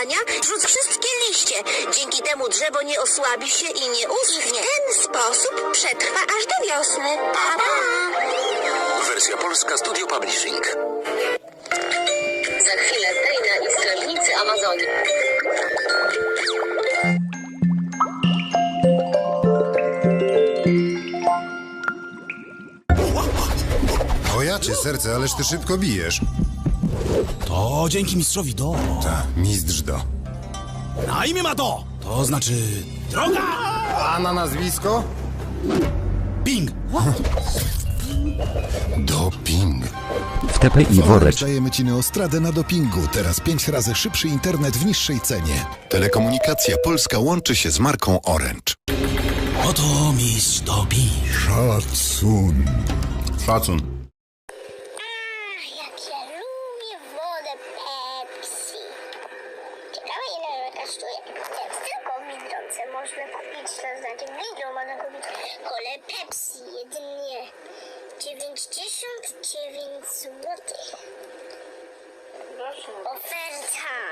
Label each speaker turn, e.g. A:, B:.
A: działania, rzuć wszystkie liście. Dzięki temu drzewo nie osłabi się i nie uschnie. W ten sposób przetrwa aż do wiosny. Pa, pa.
B: Wersja polska Studio Publishing.
C: Za chwilę Dejna i strażnicy Amazonii.
D: Ojacie serce, ależ ty szybko bijesz.
E: To dzięki mistrzowi Do.
D: Ta, mistrz Do.
E: Na imię ma Do. To znaczy droga.
D: A na nazwisko?
E: Ping.
D: Doping.
F: W TPI worek.
G: Dajemy ci Neostradę na dopingu. Teraz 5 razy szybszy internet w niższej cenie.
D: Telekomunikacja Polska łączy się z marką Orange.
E: Oto mistrz Do Ping.
G: Szacun.
D: Szacun.
H: Jak ja lubię wodę Pepsi. Ciekawe ile ona kosztuje. Teraz tylko w Biedronce można kupić, to znaczy w Lidlu można kupić kolę Pepsi jedynie 99 zł. Oferta.